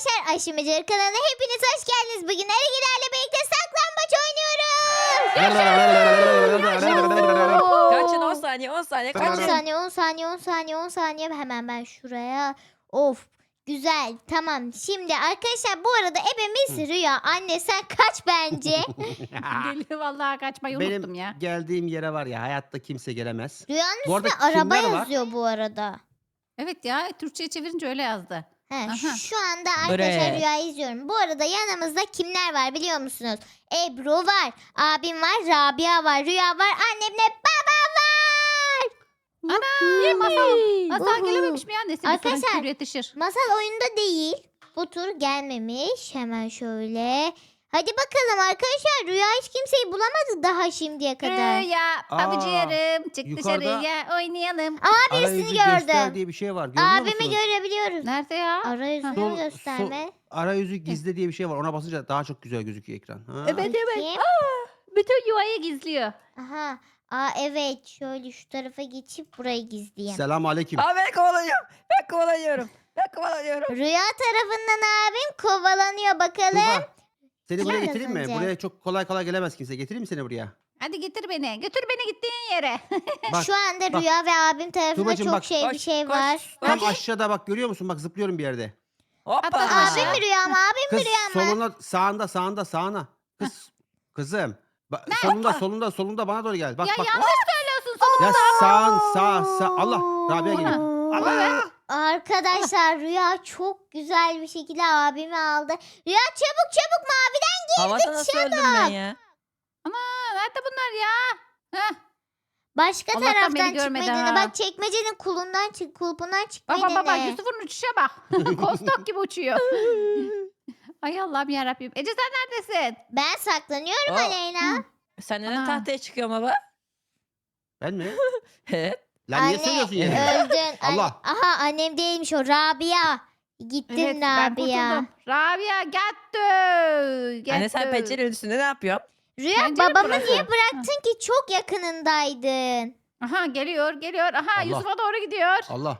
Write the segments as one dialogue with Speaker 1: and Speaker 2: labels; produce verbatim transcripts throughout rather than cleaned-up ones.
Speaker 1: arkadaşlar, Aşımacı kanalına hepiniz hoş geldiniz. Bugün Erigilerle birlikte saklambaç oynuyoruz.
Speaker 2: Kaçın on saniye on saniye
Speaker 1: on
Speaker 2: kaçın.
Speaker 1: saniye on saniye on saniye on saniye hemen ben şuraya. Of, güzel, tamam. Şimdi arkadaşlar, bu arada ebemiz Rüya. Anne sen kaç bence.
Speaker 3: Geliyor vallahi kaçmayı unuttum
Speaker 4: Benim
Speaker 3: ya.
Speaker 4: geldiğim yere var ya, hayatta kimse gelemez.
Speaker 1: Rüyanın
Speaker 4: Bu arada
Speaker 1: üstüne araba
Speaker 4: kimler var?
Speaker 1: yazıyor bu arada.
Speaker 3: Evet ya, Türkçe'ye çevirince öyle yazdı.
Speaker 1: He,
Speaker 3: Aha.
Speaker 1: şu anda arkadaşlar
Speaker 2: Bre.
Speaker 1: Rüya'yı izliyorum. Bu arada yanımızda kimler var biliyor musunuz? Ebru var, abim var, Rabia var, Rüya var, annemle baba var.
Speaker 3: Ana niye masal? Masal
Speaker 1: Uhu.
Speaker 3: gelememiş mi ya? Nesi bir
Speaker 1: Arkadaşlar,
Speaker 3: sorun kür yetişir.
Speaker 1: Masal oyunda değil. Bu tur gelmemiş. Hemen şöyle. Hadi bakalım arkadaşlar. Rüya hiç kimseyi bulamadı daha şimdiye kadar.
Speaker 3: Rüya,
Speaker 4: Aa,
Speaker 3: babacığım çık
Speaker 4: yukarıda-
Speaker 3: dışarıya oynayalım.
Speaker 1: Aa, birisini
Speaker 4: Arayüzü göster
Speaker 1: gördüm.
Speaker 4: diye bir şey var. Görüyor
Speaker 1: Abimi
Speaker 4: musunuz?
Speaker 1: görebiliyoruz.
Speaker 3: Nerede ya?
Speaker 1: Arayüzünü
Speaker 4: Sol-
Speaker 1: gösterme.
Speaker 4: sol- arayüzü gizle diye bir şey var. Ona basınca daha çok güzel gözüküyor ekran. Ha?
Speaker 3: Evet evet.
Speaker 1: Bakayım.
Speaker 3: Bütün yuvayı gizliyor.
Speaker 1: Aha. Aa, evet. Şöyle şu tarafa geçip burayı gizleyeyim.
Speaker 4: Selam aleyküm.
Speaker 2: Aa, ben kovalıyorum. Ben kovalıyorum. Ben kovalıyorum.
Speaker 1: Rüya tarafından abim kovalanıyor bakalım.
Speaker 4: Tuğba, seni buraya
Speaker 1: Kim
Speaker 4: getireyim mi?
Speaker 1: kazanacak?
Speaker 4: Buraya çok kolay kolay gelemez kimse. Getireyim mi seni buraya?
Speaker 3: Hadi getir beni. Götür beni gittiğin yere.
Speaker 4: Bak,
Speaker 1: Şu anda
Speaker 4: bak.
Speaker 1: Rüya ve abim tarafında
Speaker 4: Tuğbacığım
Speaker 1: çok
Speaker 4: bak.
Speaker 1: şey bir
Speaker 2: Koş,
Speaker 1: şey
Speaker 2: koş,
Speaker 1: var.
Speaker 4: tam
Speaker 2: koş.
Speaker 4: aşağıda bak, görüyor musun? Bak zıplıyorum bir yerde.
Speaker 2: Hoppa.
Speaker 3: Atla.
Speaker 1: Abim mi Rüya mı? Abim
Speaker 4: Kız
Speaker 1: mi Rüya mı?
Speaker 4: soluna, sağında sağında sağına. Kız kızım. Ba- solunda solunda solunda bana doğru gel. Bak
Speaker 3: ya
Speaker 4: bak.
Speaker 3: yanlış söylüyorsun sonunda.
Speaker 4: Ya sağın sağ sağ. Allah, Rabia geliyor. Allah.
Speaker 1: Arkadaşlar Rüya çok güzel bir şekilde abimi aldı. Rüya çabuk çabuk maviden
Speaker 2: Havada nasıl öldüm ben ya?
Speaker 3: Ana nerede bunlar ya? Heh.
Speaker 1: başka
Speaker 3: Allah'tan
Speaker 1: taraftan
Speaker 3: beni görmedi
Speaker 1: çıkmayı dene.
Speaker 3: ha.
Speaker 1: Bak çekmecenin kulundan çık, kulpundan çıkmayı
Speaker 3: Bak bak bak bak,
Speaker 1: dene.
Speaker 3: Yusuf'un uçuşa bak. Kostok gibi uçuyor. Ay Allah'ım yarabbim. Ece sen neredesin?
Speaker 1: Ben saklanıyorum
Speaker 2: Aa.
Speaker 1: Aleyna.
Speaker 2: Sen neden
Speaker 3: Ana.
Speaker 2: tahtaya çıkıyorsun baba?
Speaker 4: Ben mi?
Speaker 2: Evet.
Speaker 4: Lan niye söylüyorsun yine?
Speaker 1: öldün.
Speaker 4: Allah.
Speaker 1: Anne- Aha, annem değilmiş o, Rabia. Gittin
Speaker 3: Evet ben
Speaker 1: Rabia.
Speaker 3: kurtuldum. Rabia gattı. Gattı.
Speaker 2: Anne sen pencerenin üstünde ne yapıyorsun?
Speaker 1: Rüya
Speaker 3: Pencere
Speaker 1: babamı
Speaker 3: burası.
Speaker 1: niye bıraktın ki? Çok yakınındaydın.
Speaker 3: Aha geliyor geliyor. Aha
Speaker 4: Allah.
Speaker 3: Yusuf'a doğru gidiyor.
Speaker 4: Allah.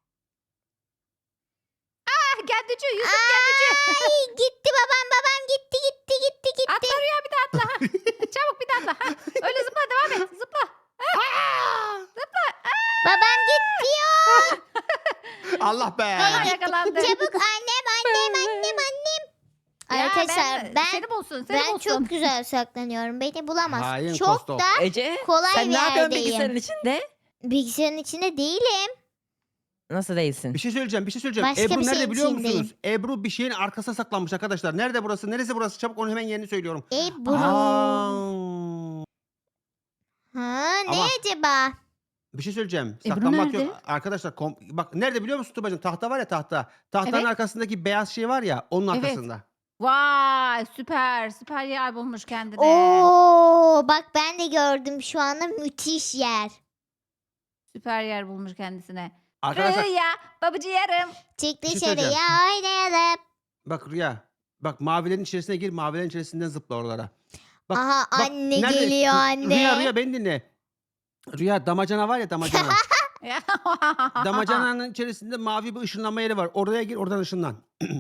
Speaker 3: Ah gaddücü Yusuf gaddücü.
Speaker 1: Ay, gitti babam babam gitti gitti gitti gitti.
Speaker 3: Atla Rüya bir daha atla. Ha. Çabuk bir daha atla. Ha. Öyle zıpla devam et. Zıpla.
Speaker 1: Babam gidiyor.
Speaker 4: Allah be.
Speaker 3: Aha yakalandı.
Speaker 1: Çabuk annem annem annem annem.
Speaker 3: Ya
Speaker 1: Arkadaşlar ben
Speaker 3: seni bulsun seni
Speaker 1: ben
Speaker 3: bulsun.
Speaker 1: çok güzel saklanıyorum. Beni bulamaz.
Speaker 4: Hain
Speaker 1: Çok
Speaker 4: Kostok.
Speaker 1: da
Speaker 2: Ece
Speaker 1: kolay
Speaker 2: sen
Speaker 1: bir
Speaker 2: ne yapıyorsun
Speaker 1: yerdeyim.
Speaker 2: bilgisayarın içinde?
Speaker 1: Bilgisayarın içinde değilim.
Speaker 2: Nasıl değilsin?
Speaker 4: Bir şey söyleyeceğim, bir şey söyleyeceğim.
Speaker 1: Başka
Speaker 4: Ebru
Speaker 1: bir
Speaker 4: nerede
Speaker 1: şeyin
Speaker 4: biliyor
Speaker 1: içindeyim.
Speaker 4: musunuz? Ebru bir şeyin arkasına saklanmış arkadaşlar. Nerede burası? Neresi burası? Çabuk onu hemen yerini söylüyorum.
Speaker 1: Ebru.
Speaker 4: Aa,
Speaker 1: Ha, ne
Speaker 4: Ama-
Speaker 1: acaba?
Speaker 4: bir şey söyleyeceğim.
Speaker 3: Ebru
Speaker 4: Saklanmak
Speaker 3: nerede?
Speaker 4: yok. Arkadaşlar kom- bak nerede biliyor musun Tuba'cığım? Tahta var ya, tahta. Tahtanın
Speaker 3: Evet.
Speaker 4: arkasındaki beyaz şey var ya, onun
Speaker 3: Evet.
Speaker 4: arkasında.
Speaker 3: Vay süper süper yer bulmuş kendine.
Speaker 1: Oo, bak ben de gördüm şu anda, müthiş yer.
Speaker 3: Süper yer bulmuş kendisine.
Speaker 4: Arkadaşlar
Speaker 3: Rüya babacı yarım.
Speaker 1: Çık
Speaker 4: Bir şey
Speaker 1: dışarıya
Speaker 4: söyleyeceğim.
Speaker 1: oynayalım.
Speaker 4: bak Rüya. Bak mavilerin içerisine gir, mavilerin içerisinden zıpla oralara. Bak,
Speaker 1: Aha,
Speaker 4: bak,
Speaker 1: anne
Speaker 4: nerede?
Speaker 1: geliyor anne.
Speaker 4: Rüya Rüya beni dinle. Rüya damacana var ya, damacana. Damacananın içerisinde mavi bir ışınlanma yeri var. Oraya gir, oradan ışınlan.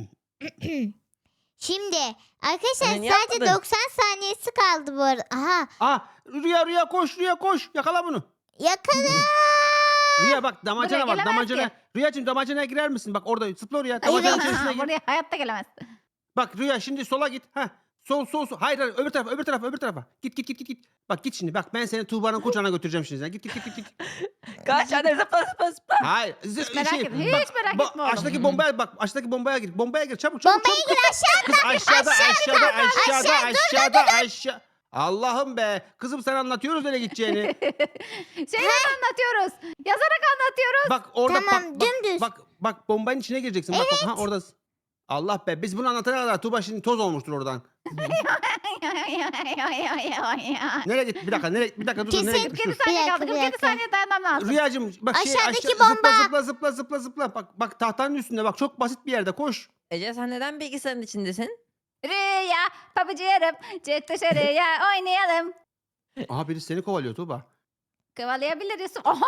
Speaker 1: Şimdi arkadaşlar
Speaker 2: Anne, niye
Speaker 1: sadece
Speaker 2: atmadın?
Speaker 1: doksan saniyesi kaldı bu arada. Aha,
Speaker 4: Aa, Rüya Rüya koş, Rüya koş. Yakala bunu.
Speaker 1: yakala.
Speaker 4: Rüya bak damacana
Speaker 3: Buraya
Speaker 4: var,
Speaker 3: gelemez
Speaker 4: damacana.
Speaker 3: ki.
Speaker 4: Rüyacığım damacanaya girer misin? Bak orada zıpla oraya. Damacananın içerisine gir.
Speaker 3: Buraya hayatta gelemez.
Speaker 4: Bak Rüya şimdi sola git. Heh. Sol sol sol. Hayır hayır, öbür tarafa öbür tarafa öbür tarafa. Git git git git git. Bak git şimdi. Bak ben seni Tuğba'nın kucağına götüreceğim şimdi. Sen. Git git git git. git.
Speaker 2: Kaç anne zıpla zıpla zıpla.
Speaker 4: Hayır. z-
Speaker 3: Hiç merak etme, hiç merak
Speaker 4: ba-
Speaker 3: etme oğlum.
Speaker 4: Aşağıdaki bombaya bak. Aşağıdaki bombaya gir. Bombaya gir. Çabuk çabuk.
Speaker 1: Bombaya
Speaker 4: çabuk.
Speaker 1: gir aşağı.
Speaker 4: Kız aşağıda aşağıda aşağıda
Speaker 1: aşağı, dur,
Speaker 4: aşağıda aşağı. Allah'ım be. Kızım sana anlatıyoruz nereye gideceğini.
Speaker 3: Şeyler anlatıyoruz. Yazarak anlatıyoruz.
Speaker 4: Bak orada
Speaker 1: Tamam,
Speaker 4: bak, bak,
Speaker 1: dümdüz.
Speaker 4: bak bak bombanın içine gireceksin. Bak bak ha orada. Allah be. Biz bunu anlatana kadar Tuğba şimdi toz olmuştur oradan. Nereye git? Bir dakika. Nereye? Bir dakika dur. dur, Nereye
Speaker 1: Kesin
Speaker 4: gitmiş? Dur.
Speaker 3: kırk saniye
Speaker 1: Bir dakika,
Speaker 3: kaldı.
Speaker 1: bir
Speaker 3: kırk yedi
Speaker 1: dakika.
Speaker 3: saniye dayanmam lazım.
Speaker 4: Rüyacığım bak şey
Speaker 1: Aşağıdaki
Speaker 4: aşağı, zıpla
Speaker 1: bomba.
Speaker 4: zıpla zıpla zıpla zıpla. Bak bak tahtanın üstünde bak, çok basit bir yerde koş.
Speaker 2: Ece sen neden bilgisayarın içindesin?
Speaker 3: Rüya babacı yarım. Çık dışarıya oynayalım.
Speaker 4: Aha birisi seni kovalıyor Tuğba.
Speaker 3: Kovalayabilir Yusuf. Oha!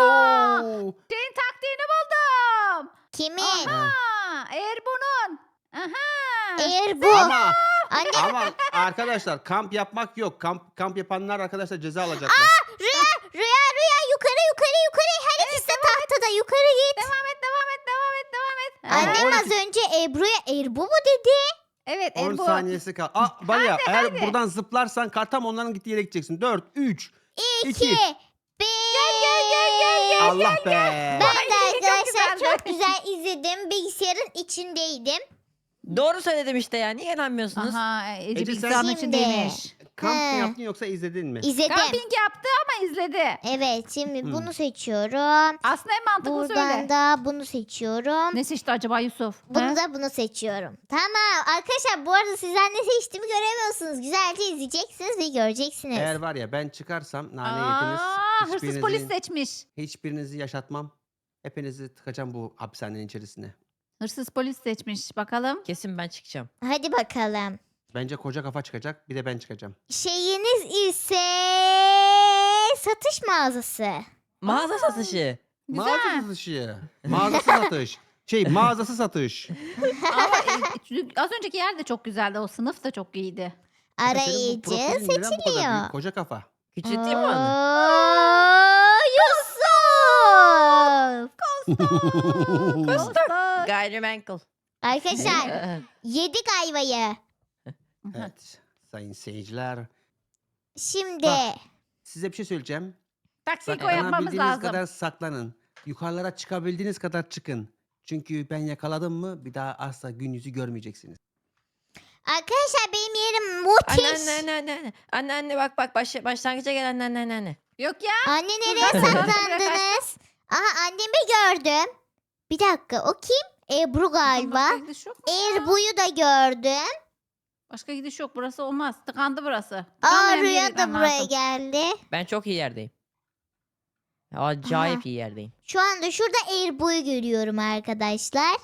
Speaker 4: Oo.
Speaker 3: Şeyin taktiğini buldum.
Speaker 1: Kimin?
Speaker 3: Aha! Eğer bunun Aha.
Speaker 1: Eğer bu
Speaker 4: Ama
Speaker 1: anne
Speaker 4: ama arkadaşlar kamp yapmak yok. Kamp kamp yapanlar arkadaşlar ceza alacaklar.
Speaker 1: Rüya Rüya Rüya yukarı yukarı yukarı her ikisi de tahtada yukarı git.
Speaker 3: Devam et devam et devam et devam et.
Speaker 4: Ama
Speaker 1: Annem
Speaker 4: on
Speaker 1: az
Speaker 4: iki
Speaker 1: önce Ebru'ya Erbu mu dedi?
Speaker 3: Evet
Speaker 4: on
Speaker 3: Erbu.
Speaker 4: saniyesi kal. Aa bana ya eğer
Speaker 3: hadi.
Speaker 4: buradan zıplarsan kar tam onların gittiği yere gideceksin. dört, üç,
Speaker 1: İki,
Speaker 4: iki.
Speaker 1: bir.
Speaker 3: Gel gel gel gel.
Speaker 4: Allah be.
Speaker 1: Ben de
Speaker 3: Ay, çok
Speaker 1: arkadaşlar
Speaker 3: güzeldi.
Speaker 1: çok güzel izledim. Bilgisayarın içindeydim.
Speaker 2: Doğru söyledim işte ya. Niye inanmıyorsunuz?
Speaker 3: Aha Ece
Speaker 4: Ece,
Speaker 3: bilgisayarın
Speaker 1: sen-
Speaker 3: içindeymiş.
Speaker 4: Kamp mı
Speaker 1: He.
Speaker 4: yaptın yoksa izledin mi?
Speaker 1: İzledim.
Speaker 3: Kamping yaptı ama izledi.
Speaker 1: Evet şimdi
Speaker 4: Hmm.
Speaker 1: bunu seçiyorum.
Speaker 3: Aslında en mantıklı
Speaker 1: Buradan
Speaker 3: söyle.
Speaker 1: da bunu seçiyorum.
Speaker 3: Ne seçti acaba Yusuf?
Speaker 1: Bunu
Speaker 3: He?
Speaker 1: da bunu seçiyorum. Tamam arkadaşlar bu arada sizler ne seçtiğimi göremiyorsunuz. Güzelce izleyeceksiniz ve göreceksiniz.
Speaker 4: Eğer var ya ben çıkarsam nane yediniz.
Speaker 3: Aa, hırsız
Speaker 4: Hiçbirinizi,
Speaker 3: polis seçmiş.
Speaker 4: hiçbirinizi yaşatmam. Hepinizi tıkacağım bu hapishanenin içerisine.
Speaker 3: Hırsız polis seçmiş. Bakalım.
Speaker 2: Kesin ben çıkacağım.
Speaker 1: Hadi bakalım.
Speaker 4: Bence koca kafa çıkacak. Bir de ben çıkacağım.
Speaker 1: Şeyiniz ise satış mağazası.
Speaker 2: Mağaza satışı.
Speaker 3: Güzel.
Speaker 4: Mağaza satışı. Mağazası satış. Şey mağazası satış.
Speaker 3: Ama e, az önceki yer de çok güzeldi. O sınıf da çok iyiydi.
Speaker 4: Senin bu
Speaker 1: Arayıcı
Speaker 4: profilin neden bu kadar
Speaker 1: seçiliyor.
Speaker 4: büyük? Koca kafa.
Speaker 2: Küçülteyim mi onu?
Speaker 1: Oo, Yusuf.
Speaker 2: Kostok. Gayrimenkul.
Speaker 1: Arkadaşlar
Speaker 2: Ee,
Speaker 1: yedik ayvayı.
Speaker 4: Evet. Sayın seyirciler.
Speaker 1: Şimdi
Speaker 4: Bak. Size bir şey söyleyeceğim.
Speaker 3: Taksiko yapmamız
Speaker 4: Saklanabildiğiniz
Speaker 3: lazım.
Speaker 4: kadar saklanın. Yukarılara çıkabildiğiniz kadar çıkın. Çünkü ben yakaladım mı bir daha asla gün yüzü görmeyeceksiniz.
Speaker 1: arkadaşlar benim yerim
Speaker 2: Anne
Speaker 1: müthiş.
Speaker 2: anne anne anne. Anne anne anne bak bak baş, başlangıca gel anne anne anne, anne.
Speaker 3: Yok ya.
Speaker 1: Anne nereye saklandınız? Aha annemi gördüm. Bir dakika o kim? Ebru galiba.
Speaker 3: Başka gidiş yok mu ya?
Speaker 1: Erbu'yu da gördüm.
Speaker 3: Başka gidiş yok. Burası olmaz. Tıkandı burası.
Speaker 1: Aa
Speaker 3: Tıkanmayan bir yere
Speaker 1: Rüya da
Speaker 3: gitmem
Speaker 1: buraya
Speaker 3: lazım.
Speaker 1: geldi.
Speaker 2: Ben çok iyi yerdeyim. Acayip
Speaker 1: Aha.
Speaker 2: iyi yerdeyim.
Speaker 1: Şu anda şurada Erbu'yu görüyorum arkadaşlar.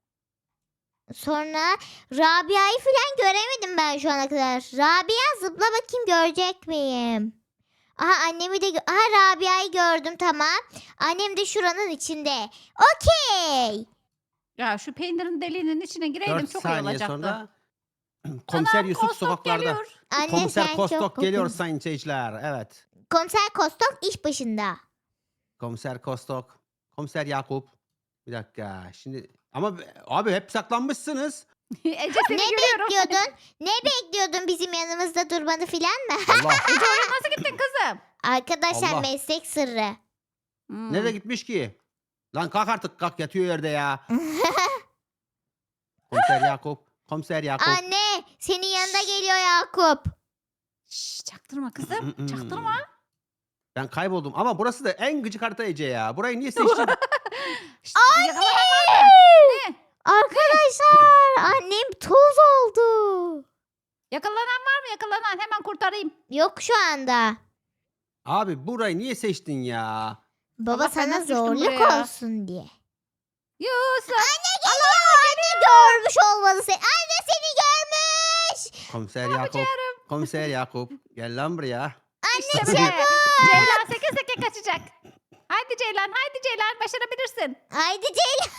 Speaker 1: Sonra Rabia'yı falan göremedim ben şu ana kadar. Rabia zıpla bakayım görecek miyim? Aha annemi de gö- Aha Rabia'yı gördüm tamam. Annem de şuranın içinde. Okey.
Speaker 3: Ya şu peynirin deliğinin içine gireydim
Speaker 4: dört
Speaker 3: çok iyi
Speaker 4: saniye
Speaker 3: olacaktı.
Speaker 4: sonra Komiser Yusuf
Speaker 3: Kostok
Speaker 4: sokaklarda.
Speaker 3: geliyor.
Speaker 1: Anne
Speaker 4: Komiser
Speaker 1: sen
Speaker 4: Kostok
Speaker 1: çok
Speaker 4: geliyor
Speaker 1: kokuyorsun.
Speaker 4: sayın seyirciler. Evet.
Speaker 1: Komiser Kostok iş başında.
Speaker 4: Komiser Kostok. Komiser Yakup. Bir dakika. Şimdi ama abi hep saklanmışsınız.
Speaker 3: Ece seni
Speaker 1: Ne
Speaker 3: görüyorum.
Speaker 1: bekliyordun? Ne bekliyordun bizim yanımızda durmanı filan mı?
Speaker 4: Allah.
Speaker 3: Ece oraya nasıl gittin kızım?
Speaker 1: Arkadaşlar
Speaker 4: Allah.
Speaker 1: meslek sırrı.
Speaker 3: Hmm.
Speaker 4: Nereye gitmiş ki? Lan kalk artık kalk yatıyor yerde ya. Komiser Yakup. Komiser Yakup.
Speaker 1: Anne senin yanında geliyor Yakup.
Speaker 3: Şşş, çaktırma kızım. Çaktırma.
Speaker 4: Ben kayboldum ama burası da en gıcık harita Ece ya. Burayı niye seçtin?
Speaker 3: Şşt, yakalanan var mı? Ne?
Speaker 1: Arkadaşlar annem toz oldu.
Speaker 3: Yakalanan var mı? Yakalanan. Hemen kurtarayım.
Speaker 1: Yok şu anda.
Speaker 4: Abi burayı niye seçtin ya?
Speaker 1: Baba
Speaker 3: Allah, ben
Speaker 1: sana
Speaker 3: nasıl düştüm
Speaker 1: zorluk
Speaker 3: buraya?
Speaker 1: olsun diye.
Speaker 3: Yusuf.
Speaker 1: Anne geliyor. Anne görmüş olmalı seni. Anne seni görmüş.
Speaker 4: Komiser Yakup. Komiser Yakup. Gel lan buraya.
Speaker 3: İşte böyle. Ceylan seke seke kaçacak. Haydi Ceylan. Haydi Ceylan. Başarabilirsin.
Speaker 1: Haydi Ceylan.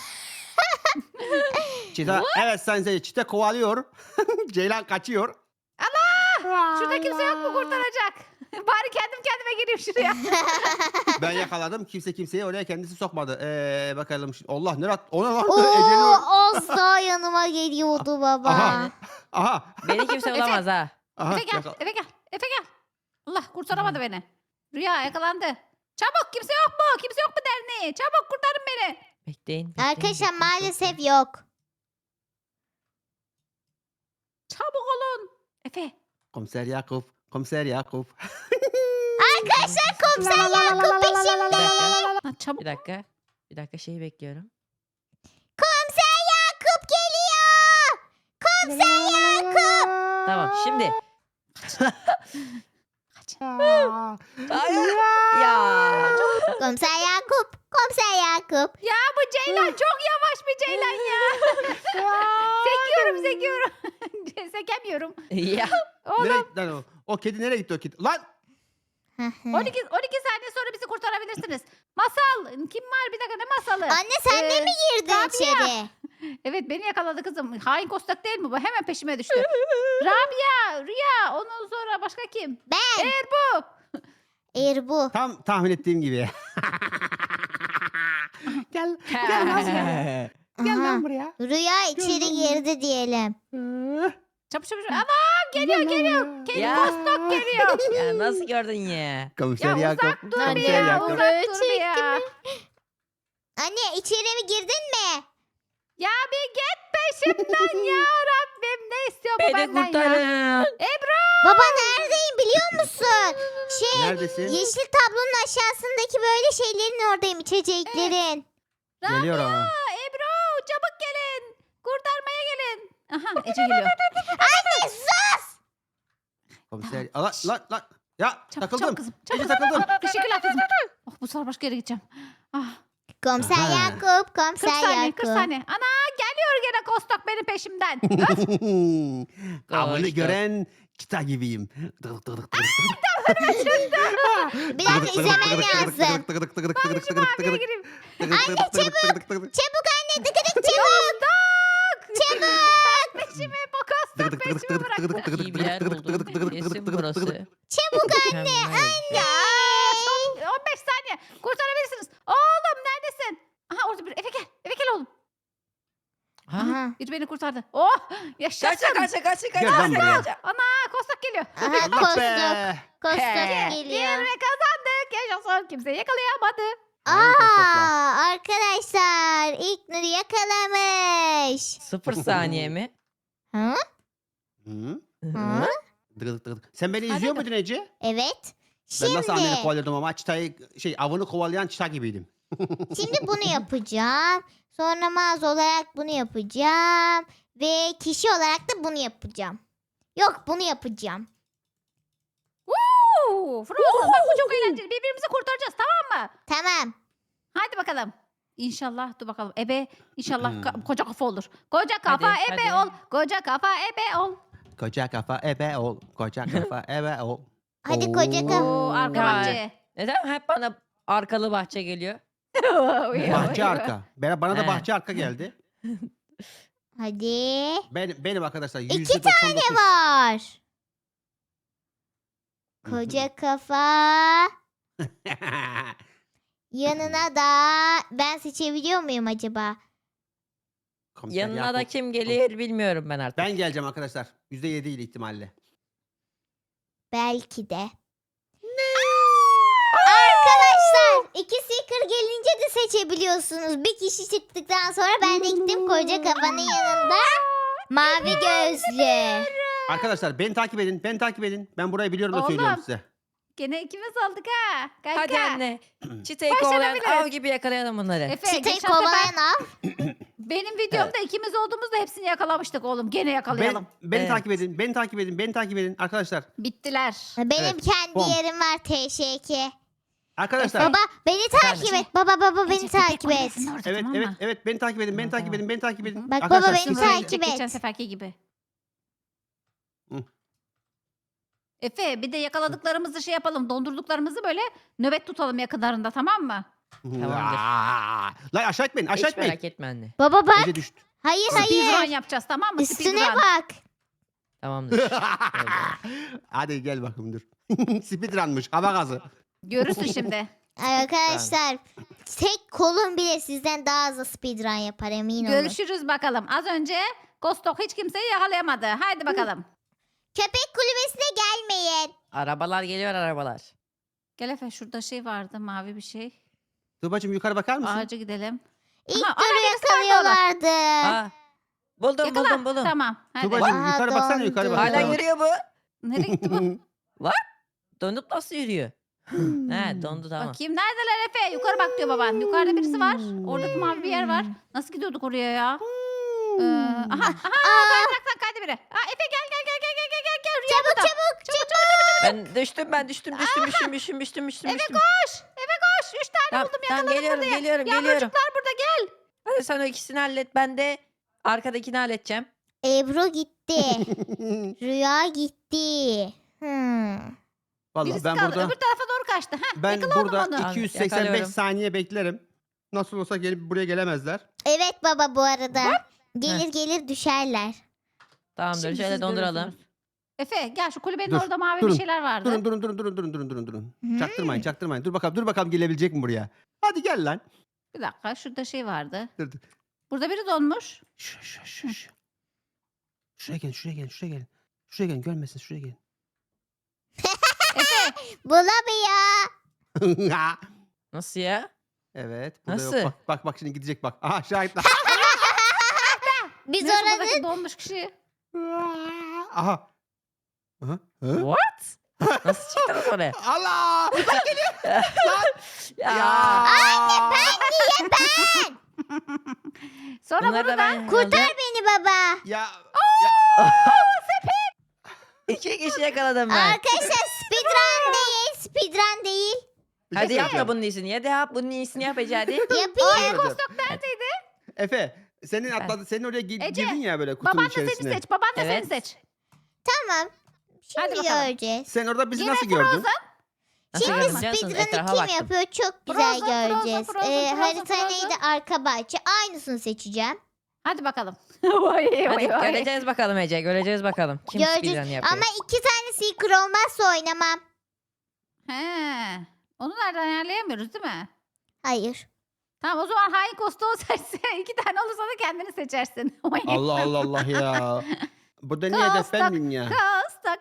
Speaker 4: Çita, evet sayın seyirci. Çita kovalıyor. Ceylan kaçıyor.
Speaker 3: Şurada kimse yok mu kurtaracak? Bari kendim kendime gireyim şuraya.
Speaker 4: Ben yakaladım. Kimse kimseyi oraya kendisi sokmadı. Ee, bakalım. şimdi- Allah ne rat? Ona lan.
Speaker 1: Oo,
Speaker 4: Ece'nin-
Speaker 1: az daha yanıma geliyordu baba.
Speaker 4: Aha. Aha.
Speaker 2: Beni kimse bulamaz ha.
Speaker 4: Aha.
Speaker 3: Efe gel.
Speaker 4: yakala-
Speaker 3: Efe gel. Efe gel. Allah kurtaramadı beni. Rüya yakalandı. Çabuk kimse yok mu? Kimse yok mu derneği? Çabuk kurtarın beni.
Speaker 2: Bekleyin. bekleyin,
Speaker 1: Arkadaşlar
Speaker 2: bekleyin,
Speaker 1: maalesef
Speaker 2: bekleyin.
Speaker 1: yok.
Speaker 3: Çabuk olun. Efe.
Speaker 4: Komiser Yakup. Komiser Yakup.
Speaker 1: Arkadaşlar komiser Yakup
Speaker 2: Bir
Speaker 1: peşimde.
Speaker 2: dakika.
Speaker 3: Ha, çabuk.
Speaker 2: Bir dakika. Bir dakika şeyi bekliyorum.
Speaker 1: Komiser Yakup geliyor. Komiser Yakup.
Speaker 2: Tamam şimdi.
Speaker 3: Kaç.
Speaker 2: Hayır. Ya.
Speaker 1: Komiser Yakup. Komiser Yakup.
Speaker 3: Ya bu Ceylan çok yavaş bir Ceylan ya. sekiyorum sekiyorum. Sekemiyorum.
Speaker 2: Ya.
Speaker 3: Oğlum
Speaker 4: Nereye gitti lan o? O kedi nereye gitti o kedi? Lan!
Speaker 3: on iki, on iki saniye sonra bizi kurtarabilirsiniz. Masal. Kim var? Bir dakika ne masalı?
Speaker 1: Anne sen de
Speaker 3: Ee,
Speaker 1: mi girdin
Speaker 3: Rabia.
Speaker 1: içeri?
Speaker 3: Evet beni yakaladı kızım. Hain kostak değil mi bu? Hemen peşime düştü. Rabia, Rüya. Ondan sonra başka kim?
Speaker 1: Ben.
Speaker 3: Eğer bu.
Speaker 1: Erbu.
Speaker 4: Tam tahmin ettiğim gibi. gel. Gel lan buraya. Gel
Speaker 1: Aha.
Speaker 4: lan buraya.
Speaker 1: Rüya içeri
Speaker 4: Gördün mü?
Speaker 1: girdi diyelim.
Speaker 3: Çabuk çabuk. Anam geliyor
Speaker 4: Gel lan
Speaker 3: geliyor.
Speaker 4: buraya.
Speaker 3: Kedi
Speaker 2: Ya.
Speaker 3: kostak geliyor.
Speaker 2: Ya nasıl gördün ya?
Speaker 4: Komiser
Speaker 3: Ya
Speaker 4: Yakup.
Speaker 3: uzak dur bir
Speaker 4: Komiser
Speaker 3: ya.
Speaker 4: Yakup.
Speaker 3: Uzak dur bir ya.
Speaker 1: Anne içeri mi girdin mi?
Speaker 3: Ya bir git peşimden ya Rabbim. Ne istiyor bu
Speaker 2: Beni
Speaker 3: benden ya?
Speaker 2: kurtarın.
Speaker 1: Baba neredeyim biliyor musun? Şey
Speaker 4: Neredesin?
Speaker 1: yeşil tablonun aşağısındaki böyle şeylerin oradayım içeceklerin.
Speaker 4: Geliyor ama.
Speaker 3: Aa, Ebru çabuk gelin. Kurtarmaya gelin. Aha Ece geliyor.
Speaker 1: Anne sus!
Speaker 4: Komiser. Lan lan lan. Ya
Speaker 3: Çabuk
Speaker 4: takıldım.
Speaker 3: çabuk kızım. Çabuk.
Speaker 4: Ece takıldım.
Speaker 3: Teşekkürler kızım. Oh, bu sefer başka yere gideceğim. Ah,
Speaker 1: Komiser
Speaker 4: Aha.
Speaker 1: Yakup,
Speaker 3: kırk
Speaker 1: komiser
Speaker 3: saniye kırk
Speaker 1: Yakup.
Speaker 3: saniye. Ana geliyor gene kostok benim peşimden. Öf.
Speaker 4: Avını
Speaker 2: Koştu.
Speaker 4: gören çıta gibiyim.
Speaker 1: Bir dakika izlemem lazım.
Speaker 3: Maviye gireyim.
Speaker 1: Çabuk anne tıkıdık çabuk. Çabuk.
Speaker 3: Peşime bu kostok peşime bırak.
Speaker 2: İyi bir yer buldum. Kesin burası.
Speaker 1: Çabuk anne.
Speaker 2: Mükemmel.
Speaker 3: Ya son on beş saniye. Kurtarabilirsiniz. Oğlum neredesin? Aha orada bir eve gel. Eve gel oğlum.
Speaker 2: Ha?
Speaker 1: Aha.
Speaker 3: Biri beni kurtardı. Oh yaşasın.
Speaker 2: Kaça kaça kaça kaça.
Speaker 4: Gel lan buraya.
Speaker 3: Ana kostok geliyor.
Speaker 1: Aha
Speaker 4: Allah
Speaker 1: kostok.
Speaker 4: be.
Speaker 1: Kostok
Speaker 2: He.
Speaker 1: geliyor.
Speaker 3: Ve kazandık. Yaşasın. Kimse yakalayamadı.
Speaker 1: Aa arkadaşlar ilk Nuri yakalamış.
Speaker 2: Sıfır saniye mi?
Speaker 1: Ha?
Speaker 4: Hı?
Speaker 1: Ha?
Speaker 4: Dıgıdık dıgıdık. Sen beni
Speaker 3: Hadi
Speaker 4: izliyor
Speaker 3: dur.
Speaker 4: muydun Ece?
Speaker 1: Evet.
Speaker 4: Ben nasıl anneni
Speaker 1: Şimdi,
Speaker 4: kovalıyordum ama çıtayı şey avını kovalayan çıta gibiydim.
Speaker 1: şimdi bunu yapacağım. Sonra mağaza olarak bunu yapacağım. Ve kişi olarak da bunu yapacağım. Yok bunu yapacağım.
Speaker 3: Woo! Frozen. Bak bu çok eğlenceli. Birbirimizi kurtaracağız tamam mı?
Speaker 1: Tamam.
Speaker 3: Hadi bakalım. İnşallah dur bakalım. Ebe inşallah
Speaker 4: Hmm.
Speaker 3: ka- koca kafa olur. Koca kafa
Speaker 2: Hadi,
Speaker 3: ebe
Speaker 2: hadi.
Speaker 3: ol. Koca kafa ebe ol.
Speaker 4: Koca kafa ebe ol. Koca kafa ebe ol.
Speaker 1: Hadi koca
Speaker 4: Oo.
Speaker 1: kafa.
Speaker 3: Oo arka
Speaker 2: Ya.
Speaker 3: bahçe.
Speaker 2: Neden hep bana arkalı bahçe geliyor?
Speaker 4: Bahçe arka. Bana, bana da
Speaker 2: He.
Speaker 4: bahçe arka geldi.
Speaker 1: Hadi.
Speaker 4: Ben, benim arkadaşlar
Speaker 1: İki
Speaker 4: yüzde doksan dokuz.
Speaker 1: Ne var?
Speaker 4: Hı hı.
Speaker 1: Koca kafa. Yanına da ben seçebiliyor muyum acaba?
Speaker 4: Komiser
Speaker 2: Yanına da
Speaker 4: Yakup.
Speaker 2: kim gelir bilmiyorum ben artık.
Speaker 4: Ben geleceğim arkadaşlar. yüzde yedi ile ihtimalle.
Speaker 1: Belki de. Arkadaşlar iki seeker gelince de seçebiliyorsunuz. Bir kişi çıktıktan sonra ben de gittim koca kafanın yanında. Mavi gözlü.
Speaker 4: Arkadaşlar beni takip edin. Beni takip edin. Ben burayı biliyorum da
Speaker 3: Oğlum.
Speaker 4: söylüyorum size.
Speaker 3: Gene ikimiz olduk ha. Kanka.
Speaker 2: Hadi anne. Çitayı kovalayan
Speaker 3: Başarabiliriz.
Speaker 2: av gibi yakalayalım bunları.
Speaker 3: Efe
Speaker 1: Çıtayı
Speaker 3: geçen sefer
Speaker 1: kovalayan av.
Speaker 3: benim videomda ikimiz olduğumuzda hepsini yakalamıştık oğlum. Gene yakalayalım.
Speaker 4: Ben, beni
Speaker 2: Evet.
Speaker 4: takip edin. Beni takip edin. Beni takip edin arkadaşlar.
Speaker 3: Bittiler.
Speaker 1: Benim
Speaker 4: Evet,
Speaker 1: kendi
Speaker 4: bom.
Speaker 1: yerim var T Ş K.
Speaker 4: Arkadaşlar.
Speaker 1: Baba beni takip
Speaker 2: Efendim?
Speaker 1: et. Baba baba beni
Speaker 3: Ece,
Speaker 1: takip
Speaker 3: köpek
Speaker 1: et.
Speaker 3: kulübesinin orada,
Speaker 4: Evet
Speaker 3: tamam
Speaker 4: evet
Speaker 3: mı?
Speaker 4: evet beni takip edin. Beni
Speaker 2: Tamam,
Speaker 4: takip
Speaker 2: tamam.
Speaker 4: edin. Beni takip edin.
Speaker 1: Bak
Speaker 4: Arkadaşlar,
Speaker 1: baba beni
Speaker 4: siz-
Speaker 3: Böyle
Speaker 1: takip
Speaker 3: gidecek, Geçen
Speaker 1: et.
Speaker 3: seferki gibi.
Speaker 4: Hı.
Speaker 3: Efe bir de yakaladıklarımızı şey yapalım. Dondurduklarımızı böyle nöbet tutalım yakınlarında tamam mı?
Speaker 2: Tamamdır.
Speaker 4: Aa, Lan aşağı etmeyin. Aşağı
Speaker 2: Hiç
Speaker 4: etmeyin.
Speaker 2: merak etme anne.
Speaker 1: Baba bak.
Speaker 4: Ece düştü.
Speaker 1: Hayır
Speaker 3: Speedrun
Speaker 1: hayır.
Speaker 3: yapacağız tamam mı?
Speaker 1: Üstüne
Speaker 3: Speedrun.
Speaker 1: bak.
Speaker 2: Tamamdır.
Speaker 4: Hadi gel bakayım dur. Speedrun'mış. Hava gazı.
Speaker 3: Görürsün şimdi.
Speaker 1: Arkadaşlar tek kolum bile sizden daha hızlı speedrun yapar emin olun.
Speaker 3: Görüşürüz bakalım. Az önce Kostok hiç kimseyi yakalayamadı. Haydi bakalım.
Speaker 1: Köpek kulübesine gelmeyin.
Speaker 2: Arabalar geliyor arabalar.
Speaker 3: Gel Efe şurada şey vardı mavi bir şey.
Speaker 4: Tuğba'cığım yukarı bakar mısın?
Speaker 3: Ağaca gidelim.
Speaker 1: İlk
Speaker 3: Aha, ana
Speaker 1: turu
Speaker 3: birisi vardı orada.
Speaker 1: yakalıyorlardı.
Speaker 2: Aa, buldum
Speaker 3: Yakala.
Speaker 2: buldum buldum.
Speaker 3: Tamam. Hadi.
Speaker 4: Tuğba'cığım
Speaker 1: Aha,
Speaker 4: yukarı baksana yukarı
Speaker 1: dondu.
Speaker 4: bak.
Speaker 2: Hala
Speaker 4: yukarı bak.
Speaker 2: yürüyor bu.
Speaker 3: Nereye gitti bu?
Speaker 2: Donup nasıl yürüyor? He dondu tamam.
Speaker 3: Bakayım neredeler Efe? Yukarı bak diyor baban. Yukarıda birisi var. Oradaki mavi bir yer var. Nasıl gidiyorduk oraya ya? Ee, aha aha kaydıraktan kaydı biri. Aa, Efe gel gel gel gel gel gel gel gel. Rüya
Speaker 1: Çabuk
Speaker 3: burada.
Speaker 1: çabuk çabuk.
Speaker 2: Ben düştüm ben düştüm düştüm düştüm düştüm düştüm düştüm
Speaker 3: Eve
Speaker 2: düştüm.
Speaker 3: koş. Eve koş. Üç tane
Speaker 2: Tamam,
Speaker 3: buldum
Speaker 2: tamam,
Speaker 3: yakaladım
Speaker 2: geliyorum
Speaker 3: burada.
Speaker 2: geliyorum geliyorum.
Speaker 3: Yavrucuklar burada gel.
Speaker 2: Hadi sen o ikisini hallet ben de arkadakini halledeceğim.
Speaker 1: Ebru gitti. Rüya gitti. Hmm.
Speaker 4: Vallahi
Speaker 3: Birisi
Speaker 4: ben
Speaker 3: kaldı.
Speaker 4: burada
Speaker 3: Öbür tarafa doğru kaçtı. Heh,
Speaker 4: ben
Speaker 3: yakaladım
Speaker 4: burada
Speaker 3: onu.
Speaker 4: iki yüz seksen beş
Speaker 2: Yakalıyorum.
Speaker 4: saniye beklerim. Nasıl olsa gelip buraya gelemezler.
Speaker 1: Evet baba bu arada. Gelir gelir düşerler.
Speaker 2: Tamamdır
Speaker 3: Şimdi
Speaker 2: şöyle
Speaker 3: siz
Speaker 2: donduralım.
Speaker 3: görürsünüz. Efe gel şu kulübenin
Speaker 4: Dur,
Speaker 3: orada mavi
Speaker 4: durun,
Speaker 3: bir şeyler vardı.
Speaker 4: Durun durun durun durun durun durun durun durun.
Speaker 1: Hmm.
Speaker 4: Çaktırmayın çaktırmayın. Dur bakalım dur bakalım gelebilecek mi buraya? Hadi gel lan.
Speaker 3: Bir dakika şurada şey vardı.
Speaker 4: Dur dur.
Speaker 3: Burada biri donmuş.
Speaker 4: Şu şu şu şu. Şuraya gelin şuraya gelin şuraya gelin. Şuraya gelin görmesin şuraya gelin.
Speaker 3: Efe
Speaker 1: Bulamıyor.
Speaker 2: Nasıl ya?
Speaker 4: Evet. Burada
Speaker 2: Nasıl?
Speaker 4: Yok. Bak, bak bak şimdi gidecek bak. Aha şahitler.
Speaker 1: Biz
Speaker 3: neyse
Speaker 1: oranın
Speaker 3: buradaki donmuş kişi.
Speaker 4: Aha. Aha. Hı?
Speaker 2: What? Nasıl çıktınız oraya?
Speaker 4: Allah!
Speaker 2: Ya.
Speaker 4: Ya.
Speaker 3: Sonra
Speaker 2: Bunları
Speaker 3: bunu
Speaker 2: da
Speaker 3: da
Speaker 2: ben
Speaker 1: kurtar
Speaker 2: aldım.
Speaker 1: beni baba.
Speaker 4: Ya.
Speaker 2: İki kişi yakaladım ben.
Speaker 1: Arkadaşlar speedrun değil. Speedrun değil.
Speaker 4: Bir şey
Speaker 2: Hadi yapma
Speaker 4: söyleyeceğim.
Speaker 2: bunun iyisini. Hadi yap bunun iyisini yap Ece hadi.
Speaker 1: Yapayım.
Speaker 4: Söyleyeceğim.
Speaker 3: neredeydi?
Speaker 4: Efe, senin atladı, senin oraya gi-
Speaker 3: Ece,
Speaker 4: girdin ya böyle kutunun
Speaker 3: Baban da
Speaker 4: içerisine.
Speaker 3: seni seç. Baban da
Speaker 2: Evet.
Speaker 3: seni seç.
Speaker 1: Tamam.
Speaker 3: Hadi
Speaker 1: Şimdi
Speaker 3: bakalım.
Speaker 1: göreceğiz.
Speaker 4: Sen orada bizi
Speaker 3: Yine
Speaker 4: nasıl gördün?
Speaker 2: Nasıl
Speaker 1: Şimdi
Speaker 2: gördün biliyor musun?
Speaker 1: speedrun'ı
Speaker 2: Etrafa
Speaker 1: kim
Speaker 2: baktım.
Speaker 1: yapıyor çok güzel
Speaker 3: Frozen, Frozen,
Speaker 1: göreceğiz.
Speaker 3: Frozen,
Speaker 1: Ee,
Speaker 3: Frozen,
Speaker 1: harita
Speaker 3: Frozen.
Speaker 1: neydi? Arka bahçe. Aynısını seçeceğim.
Speaker 3: Hadi bakalım. Vay,
Speaker 2: Hadi
Speaker 3: vay, vay.
Speaker 2: göreceğiz bakalım Ece. Göreceğiz bakalım. Kim speedrun
Speaker 1: Göreceğiz.
Speaker 2: yapıyor.
Speaker 1: Ama iki tane seeker olmazsa oynamam.
Speaker 3: He. Onu nereden ayarlayamıyoruz değil mi?
Speaker 1: Hayır.
Speaker 3: Tamam o zaman hain kostuğu seçse iki tane olursa da kendini seçersin.
Speaker 4: Allah Allah Allah ya. Burada niye hedef ben
Speaker 3: Kostak,
Speaker 4: miyim ya?
Speaker 3: Kostak.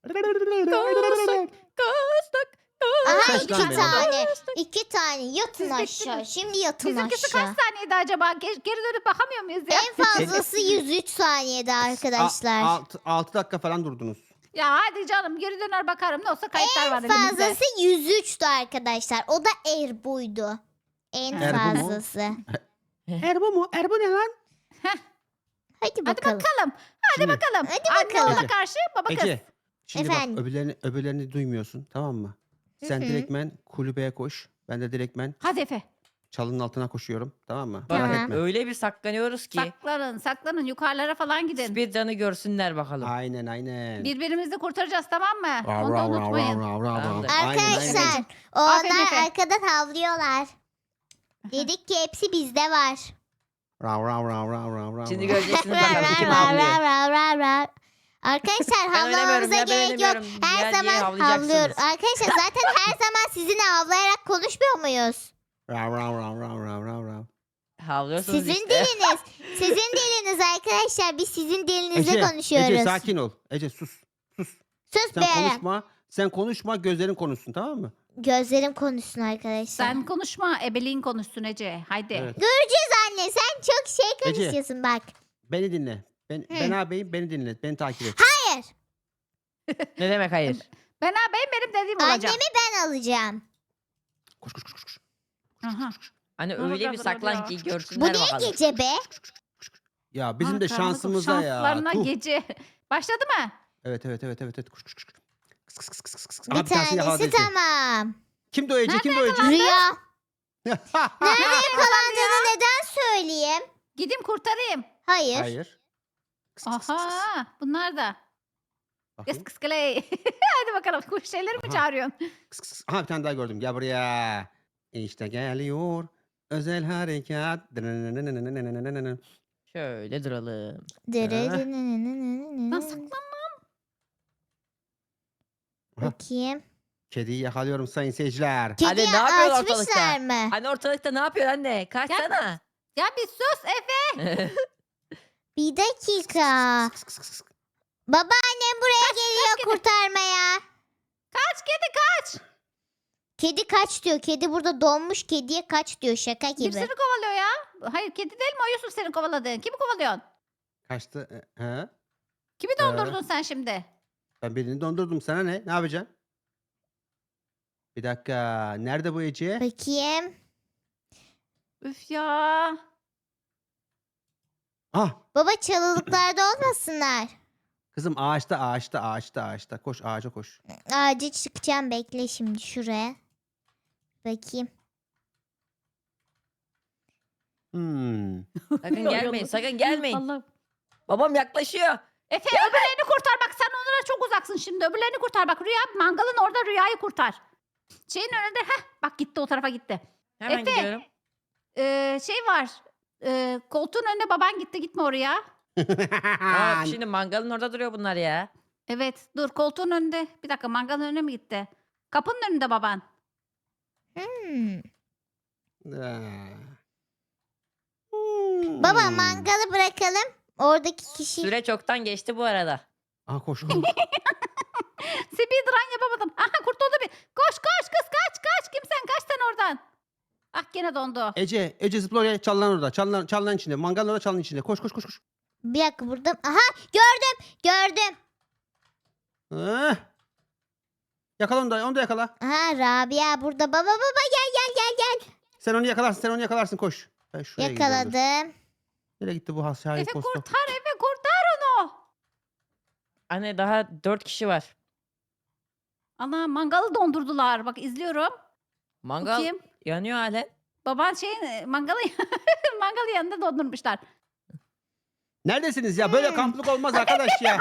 Speaker 3: Kostak.
Speaker 1: Aha
Speaker 4: Seç
Speaker 1: iki
Speaker 4: lan beni.
Speaker 1: tane. İki tane. Yatın
Speaker 3: Siz
Speaker 1: aşağı.
Speaker 3: bittiniz.
Speaker 1: Şimdi yatın
Speaker 3: Bizimkisi
Speaker 1: aşağı.
Speaker 3: kaç saniyeydi acaba? Ge- Geri dönüp bakamıyor muyuz ya?
Speaker 1: En fazlası yüz üç saniyede arkadaşlar.
Speaker 4: 6 dakika falan durdunuz.
Speaker 3: Ya hadi canım geri döner bakarım. Ne olsa kayıtlar var
Speaker 1: En
Speaker 3: elimizde.
Speaker 1: fazlası yüz üçtü arkadaşlar. O da Erbu'ydu. En
Speaker 4: Erbu mu?
Speaker 1: fazlası.
Speaker 4: Erbo mu? Erbo ne lan?
Speaker 1: Hadi
Speaker 3: Hadi
Speaker 1: bakalım.
Speaker 3: bakalım. Hadi
Speaker 4: Şimdi-
Speaker 3: bakalım.
Speaker 1: Hadi
Speaker 3: Anne
Speaker 1: bakalım.
Speaker 3: ona
Speaker 4: Ece,
Speaker 3: karşı baba kız.
Speaker 4: Ece. Şimdi
Speaker 1: Efendim?
Speaker 4: bak öbürlerini, öbürlerini duymuyorsun tamam mı? Sen
Speaker 1: Hı hı.
Speaker 4: direktmen kulübeye koş. Ben de direktmen
Speaker 3: Hadi Efe.
Speaker 4: çalının altına koşuyorum. Tamam mı?
Speaker 1: Tamam.
Speaker 4: Merak etme.
Speaker 2: Öyle bir saklanıyoruz ki
Speaker 3: Saklanın saklanın yukarılara falan gidin.
Speaker 2: speedrun'ı görsünler bakalım.
Speaker 4: Aynen aynen.
Speaker 3: Birbirimizi kurtaracağız tamam mı?
Speaker 4: Rav,
Speaker 3: Onu da
Speaker 4: rav, rav,
Speaker 3: unutmayın.
Speaker 4: rav, rav, rav, rav.
Speaker 2: Tamamdır.
Speaker 4: Aynen, aynen.
Speaker 1: Arkadaşlar
Speaker 3: Aferin
Speaker 1: onlar
Speaker 3: Efe.
Speaker 1: arkadan havlıyorlar. Dedik ki hepsi bizde var.
Speaker 4: Rav, rav, rav, rav, rav, rav,
Speaker 2: Şimdi
Speaker 4: rav.
Speaker 2: göreceksiniz
Speaker 1: Rav,
Speaker 2: bakalım
Speaker 1: rav,
Speaker 2: kim
Speaker 1: rav,
Speaker 2: havlıyor.
Speaker 1: rav, rav, rav, rav. Arkadaşlar
Speaker 2: Ben oynamıyorum
Speaker 1: havlamamıza
Speaker 2: ya, ben
Speaker 1: gerek yok.
Speaker 2: oynamıyorum.
Speaker 1: Her
Speaker 2: Yer diye
Speaker 1: zaman
Speaker 2: havlayacaksınız.
Speaker 1: havlıyoruz. Arkadaşlar zaten her zaman sizinle havlayarak konuşmuyor muyuz?
Speaker 4: Rav, rav, rav, rav, rav, rav, rav.
Speaker 2: Havlıyorsunuz
Speaker 1: Sizin
Speaker 2: işte.
Speaker 1: diliniz. Sizin diliniz arkadaşlar. Biz sizin dilinizle
Speaker 4: Ece,
Speaker 1: konuşuyoruz.
Speaker 4: Ece sakin ol. Ece sus. Sus.
Speaker 1: Sus
Speaker 4: Sen
Speaker 1: be.
Speaker 4: konuşma. Sen konuşma gözlerin konuşsun tamam mı?
Speaker 1: Gözlerim konuşsun arkadaşlar.
Speaker 3: Sen konuşma ebeliğin konuşsun Ece. Haydi.
Speaker 4: Evet.
Speaker 1: Göreceğiz anne. Sen çok şey
Speaker 4: Ece.
Speaker 1: konuşuyorsun bak.
Speaker 4: Beni dinle. Ben,
Speaker 1: Hı.
Speaker 4: ben ağabeyim beni dinle. Beni takip et.
Speaker 1: Hayır.
Speaker 2: Ne demek hayır?
Speaker 3: Ben ağabeyim benim dediğim olacak.
Speaker 1: Annemi ben alacağım.
Speaker 4: Koş koş koş koş. koş.
Speaker 3: Aha.
Speaker 2: Hani
Speaker 3: Ne
Speaker 2: öyle
Speaker 3: olacak
Speaker 2: bir
Speaker 3: burada
Speaker 2: saklan
Speaker 3: ya?
Speaker 2: ki
Speaker 1: Bu
Speaker 2: görsünler
Speaker 1: niye
Speaker 2: bakalım.
Speaker 1: gece be?
Speaker 4: Ya bizim de
Speaker 3: Ha, karanlık
Speaker 4: şansımıza ya.
Speaker 3: Şanslarına
Speaker 4: Tuh.
Speaker 3: gece. Başladı mı?
Speaker 4: Evet evet evet evet. evet. Koş koş koş. koş. Kıs kıs kıs kıs kıs.
Speaker 1: Bir
Speaker 4: Aha, tanesini yakaladı
Speaker 1: tanesi
Speaker 4: Ece.
Speaker 1: tamam.
Speaker 4: Kimdi o Ece? Kimdi o Ece?
Speaker 1: Rüya. Nerede yakalandığını neden söyleyeyim?
Speaker 3: Gideyim kurtarayım.
Speaker 1: Hayır.
Speaker 4: Hayır. Kıs kıs kıs kıs.
Speaker 3: Aha bunlar da. Kıs
Speaker 4: Bakayım.
Speaker 3: kıs kıley. Hadi bakalım kuş şeyleri mi
Speaker 4: Aha.
Speaker 3: çağırıyorsun?
Speaker 4: Kıs kıs. Aha bir tane daha gördüm. Gel buraya. İşte geliyor. Özel harekat.
Speaker 2: Şöyle duralım.
Speaker 3: Lan saklan.
Speaker 1: Bakayım.
Speaker 4: Kediyi yakalıyorum sayın seyirciler.
Speaker 1: Kediyi
Speaker 2: ne yapıyorlar
Speaker 1: açmışlar
Speaker 2: ortalıkta?
Speaker 1: mı?
Speaker 2: Hani ortalıkta ne yapıyor anne? Kaçsana.
Speaker 3: Ya bir sus Efe.
Speaker 1: Bir dakika.
Speaker 4: Kıs kıs kıs kıs.
Speaker 1: Babaannem buraya geliyor kurtarmaya.
Speaker 3: Kaç kedi kaç.
Speaker 1: Kedi kaç diyor. Kedi burada donmuş. Kediye kaç diyor. Şaka gibi.
Speaker 3: Birisini kovalıyor ya. Hayır kedi değil mi o Yusuf senin kovaladığın? Kimi kovalıyorsun?
Speaker 4: Kaçtı. E, He?
Speaker 3: Kimi dondurdun sen şimdi?
Speaker 4: Ben birini dondurdum. Sana ne? Ne yapacaksın? Bir dakika. Nerede bu Ece?
Speaker 1: Bakayım.
Speaker 3: Üf ya.
Speaker 4: Ah.
Speaker 1: Baba çalılıklarda olmasınlar.
Speaker 4: Kızım ağaçta ağaçta ağaçta ağaçta. Koş ağaca koş.
Speaker 1: Ağaca çıkacağım. Bekle şimdi şuraya. Bakayım.
Speaker 4: Hmm.
Speaker 2: Sakın gelmeyin sakın gelmeyin.
Speaker 3: Allah.
Speaker 2: Babam yaklaşıyor.
Speaker 3: Efe öbürlerini kurtar bak sen onlara çok uzaksın şimdi. Öbürlerini kurtar. Bak Rüya mangalın orada Rüya'yı kurtar. Şeyin önünde. Heh, bak gitti o tarafa gitti.
Speaker 2: Hemen
Speaker 3: Efe.
Speaker 2: gidiyorum.
Speaker 3: Ee, şey var. Ee, koltuğun önünde baban gitti. Gitme oraya.
Speaker 2: Aa, şimdi mangalın orada duruyor bunlar ya.
Speaker 3: Evet dur koltuğun önünde. Bir dakika mangalın önüne mi gitti? Kapının önünde baban.
Speaker 1: Hmm.
Speaker 4: Ee.
Speaker 1: Baba
Speaker 4: Hmm.
Speaker 1: mangalı bırakalım. Oradaki kişi.
Speaker 2: Süre çoktan geçti bu arada.
Speaker 4: Aa, koş koş.
Speaker 3: Speedrun yapamadım. Aha kurtuldu bir. Koş koş kız kaç kaç. Kimsen kaç sen oradan. Ah gene dondu.
Speaker 4: Ece, Ece zıpla oraya, çalılan orada. Çalılan, çalılan içinde. Mangalın orada, çalılan içinde. Koş koş koş koş.
Speaker 1: Bir dakika burada. Aha gördüm. Gördüm.
Speaker 4: Eh. Yakala onu da, onu da yakala.
Speaker 1: Aha Rabia burada. Baba baba gel gel gel gel.
Speaker 4: Sen onu yakalarsın, sen onu yakalarsın, koş. Ben şuraya gidiyorum, dur.
Speaker 1: Yakaladım.
Speaker 4: Nereye gitti bu has şahit
Speaker 3: Efe
Speaker 4: posta?
Speaker 3: kurtar Efe kurtar onu.
Speaker 2: Anne daha dört kişi var.
Speaker 3: Ana mangalı dondurdular. Bak izliyorum.
Speaker 2: Mangal
Speaker 3: Bakayım.
Speaker 2: yanıyor halen.
Speaker 3: Baban şeyin mangalı mangalı yanında dondurmuşlar.
Speaker 4: Neredesiniz ya? Böyle kamplık olmaz arkadaş ya.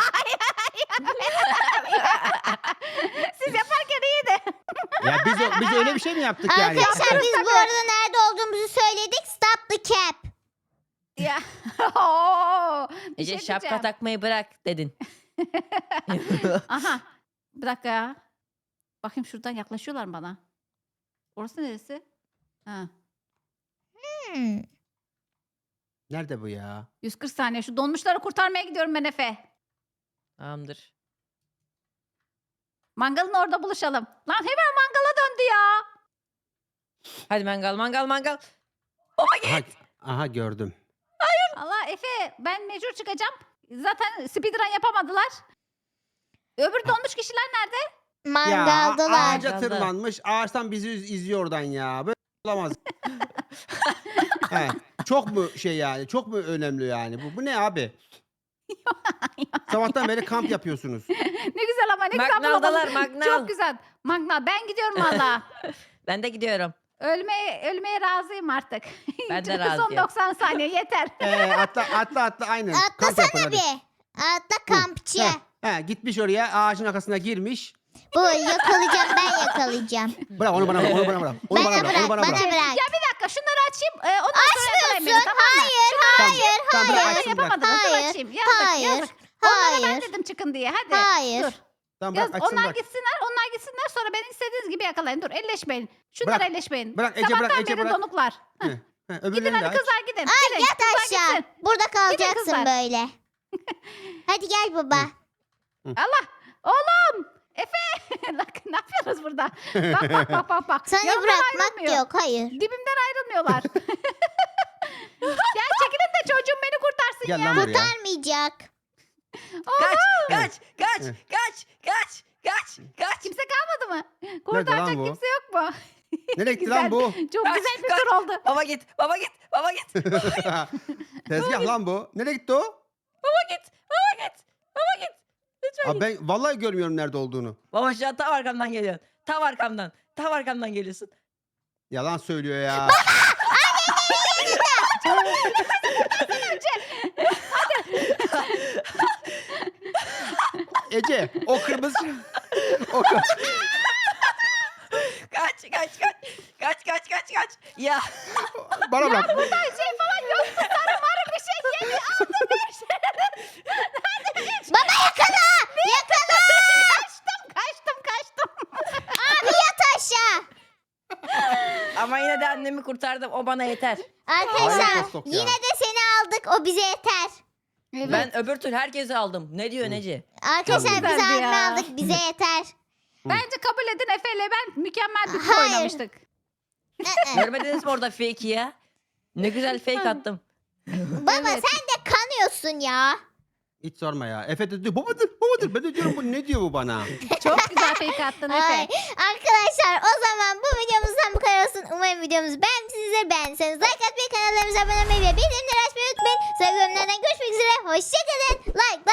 Speaker 3: Siz yaparken iyiydi.
Speaker 4: Ya biz, biz öyle bir şey mi yaptık yani?
Speaker 1: Arkadaşlar biz bu arada nerede olduğumuzu söyledik. Stop the cap.
Speaker 3: Ya. Oo, bir
Speaker 2: Ece
Speaker 3: şey
Speaker 2: şapka
Speaker 3: diyeceğim.
Speaker 2: takmayı bırak dedin.
Speaker 3: Aha. Bir dakika ya. Bakayım şuradan yaklaşıyorlar mı bana? Orası neresi? Ha.
Speaker 1: Hmm.
Speaker 4: Nerede bu ya?
Speaker 3: yüz kırk saniye. Şu donmuşları kurtarmaya gidiyorum ben Efe.
Speaker 2: Tamamdır.
Speaker 3: Mangalın orada buluşalım. Lan hemen mangala döndü ya.
Speaker 2: Hadi mangal mangal mangal.
Speaker 4: Aha, aha gördüm.
Speaker 3: Allah Efe ben mecbur çıkacağım. Zaten speedrun yapamadılar. Öbür donmuş kişiler nerede?
Speaker 4: Ya
Speaker 1: Mangaldalar.
Speaker 4: ağaca
Speaker 2: Mangalda.
Speaker 4: tırmanmış. Ağaçtan bizi iz- izliyor oradan ya. Böyle olamaz. He, çok mu şey yani? Çok mu önemli yani? Bu, bu ne abi? Sabahtan beri kamp yapıyorsunuz.
Speaker 3: Ne güzel ama ne güzel
Speaker 2: Magnaldalar
Speaker 3: bulamadım.
Speaker 2: magnal.
Speaker 3: Çok güzel. Magnal ben gidiyorum valla.
Speaker 2: Ben de gidiyorum.
Speaker 3: ölmeye ölmeye razıyım artık.
Speaker 2: Ben de
Speaker 3: Son
Speaker 2: razıyım.
Speaker 3: doksan saniye yeter.
Speaker 4: Ee, atla atla atla aynen. Kamp yapın
Speaker 1: Atlasana
Speaker 4: hadi.
Speaker 1: bir. Atla kampçı.
Speaker 4: He, he, gitmiş oraya ağacın arkasına girmiş.
Speaker 1: Bu yakalayacağım ben yakalayacağım.
Speaker 4: Bırak onu bana bırak onu bana bırak. Onu
Speaker 1: Bana
Speaker 4: bana bırak. Onu
Speaker 1: bırak
Speaker 4: bana
Speaker 1: bana
Speaker 4: bırak.
Speaker 1: bırak.
Speaker 3: Ya bir dakika şunları açayım. Ee, ondan sonra yakalayın beni,
Speaker 1: Açmıyorsun.
Speaker 3: tamam mı?
Speaker 1: Hayır hayır
Speaker 4: Tamam, bırak,
Speaker 1: hayır.
Speaker 4: açsın, bırak.
Speaker 3: Yapamadım. Dur
Speaker 1: Hayır,
Speaker 3: açayım. Yazık
Speaker 1: hayır,
Speaker 3: yazık. Onlara ben
Speaker 1: hayır.
Speaker 3: dedim çıkın diye. Hadi.
Speaker 1: Hayır.
Speaker 3: Dur.
Speaker 4: Tamam
Speaker 3: Yaz,
Speaker 4: bırak açsın
Speaker 3: onlar
Speaker 4: bırak.
Speaker 3: gitsinler, onlar gitsinler sonra beni istediğiniz gibi yakalayın. Dur elleşmeyin. Şunlara
Speaker 4: Bırak,
Speaker 3: elleşmeyin.
Speaker 4: bırak, Ece,
Speaker 3: Sabahtan
Speaker 4: bırak, Ece,
Speaker 3: beri
Speaker 4: bırak.
Speaker 3: donuklar.
Speaker 4: He, he,
Speaker 3: Gidin
Speaker 4: öbürlerini de
Speaker 3: hadi
Speaker 4: aç.
Speaker 3: kızlar gidin.
Speaker 1: Ay
Speaker 3: gidin.
Speaker 1: yat
Speaker 3: Kızlar
Speaker 1: aşağı.
Speaker 3: gitsin.
Speaker 1: Burada kalacaksın
Speaker 3: kızlar.
Speaker 1: böyle. Hadi gel baba.
Speaker 3: Allah. Oğlum. Efe. Bak, ne yapıyoruz burada? Bak bak bak bak. bak.
Speaker 1: Seni
Speaker 3: Yanımdan
Speaker 1: bırakmak
Speaker 3: ayrılmıyor.
Speaker 1: yok hayır.
Speaker 3: Dibimden ayrılmıyorlar. Gel çekilin de çocuğum beni kurtarsın
Speaker 4: Gel
Speaker 3: ya.
Speaker 4: lan buraya.
Speaker 1: Kurtarmayacak.
Speaker 2: Kaç kaç kaç
Speaker 4: Hı.
Speaker 2: kaç kaç kaç kaç.
Speaker 3: Kimse kalmadı mı?
Speaker 4: lan
Speaker 3: Kurtaracak
Speaker 4: bu?
Speaker 3: kimse yok mu?
Speaker 4: Nereye gitti
Speaker 3: Güzel.
Speaker 4: lan bu?
Speaker 3: Çok
Speaker 2: Kaç,
Speaker 3: güzel bir
Speaker 2: kaç.
Speaker 3: tur oldu.
Speaker 2: Baba git baba git baba git.
Speaker 4: Tezgah lan bu. Nereye gitti o?
Speaker 2: Baba git baba git baba git. Lütfen
Speaker 4: Abi
Speaker 2: git.
Speaker 4: ben vallahi görmüyorum nerede olduğunu.
Speaker 2: Baba şu an tam arkamdan geliyorsun. Tam arkamdan. Tam arkamdan geliyorsun.
Speaker 4: Yalan söylüyor ya. Ece o kırmızı o kır-
Speaker 2: Kaç kaç kaç. Kaç kaç kaç kaç. Ya.
Speaker 4: bana bak.
Speaker 3: Buradan şey falan yok. Sarı marı bir şey geliyor. Aldım bir şey.
Speaker 1: Baba yakala. Yakala.
Speaker 3: Kaçtım kaçtım kaçtım.
Speaker 1: Abi yat aşağı.
Speaker 2: Ama yine de annemi kurtardım. O bana yeter.
Speaker 1: Arkadaşlar
Speaker 4: Hayır, Kostok ya.
Speaker 1: yine de seni aldık. O bize yeter.
Speaker 3: Evet.
Speaker 2: Ben öbür türlü herkesi aldım. Ne diyor Neci?
Speaker 1: Arkadaşlar
Speaker 3: Çok
Speaker 1: biz
Speaker 3: güzeldi
Speaker 1: abimi
Speaker 3: ya.
Speaker 1: aldık. Bize yeter.
Speaker 3: Bence kabul edin Efe ile ben mükemmel bir tur
Speaker 1: Hayır.
Speaker 3: oynamıştık.
Speaker 1: Ee,
Speaker 2: Görmediniz mi orada fake'i ya? Ne güzel fake attım.
Speaker 1: Baba
Speaker 3: Evet.
Speaker 1: sen de kanıyorsun ya.
Speaker 4: Hiç sorma ya. Efe de diyor babadır babadır. Ben de diyorum bu ne diyor bu bana?
Speaker 3: Çok güzel fake attın
Speaker 1: Ay,
Speaker 3: Efe.
Speaker 1: arkadaşlar o zaman bu videomuzdan bu kadar olsun. Umarım videomuzu beğenmişsinizdir. Beğendiyseniz like atmayı, kanallarımıza abone olmayı ve bildirimleri açmayı unutmayın. Sonraki bölümlerden görüşmek üzere. Hoşçakalın. Like